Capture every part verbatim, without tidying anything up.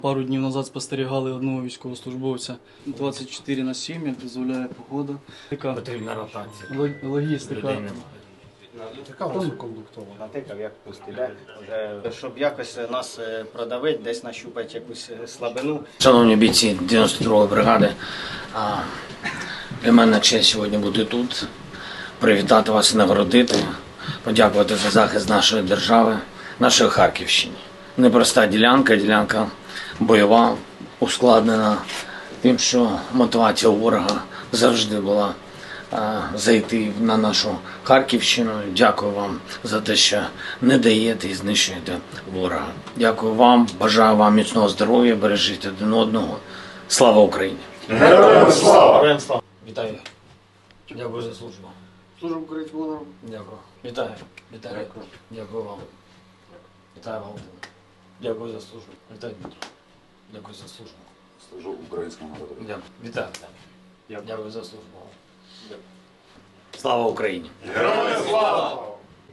Пару днів назад спостерігали одного військовослужбовця. двадцять чотири на сім, як дозволяє погода. Така Потрібна ротація. лог- логістика. Людей немає. Така висококондуктована. Натикав як пустий, вже щоб якось нас е, продавити, десь нащупати якусь е, слабину. Шановні бійці дев'яносто другої бригади, а, для мене честь сьогодні бути тут, привітати вас і нагородити, подякувати за захист нашої держави, нашої Харківщини. Непроста ділянка, ділянка бойова, ускладнена тим, що мотивація у ворога завжди була а, зайти на нашу Харківщину. Дякую вам за те, що не даєте і знищуєте ворога. Дякую вам, бажаю вам міцного здоров'я, бережіть один одного. Слава Україні! Героям слава! Героям слава! Вітаю! Дякую за службу. Служу українському народу. Дякую. Вітаю. Вітаю. Дякую. Дякую вам. Вітаю, Валентин. Дякую за службу. Вітаю, Дмитро. Дякую за службу. Служу українському народу. Дякую. Вітаю. Дякую. Дякую за службу. Дякую. Слава Україні! Героям слава!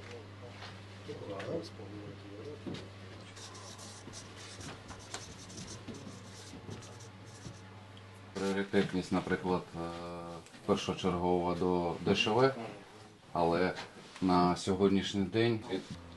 Пріоритетність, наприклад, е, першочергова до ДШВ, але на сьогоднішній день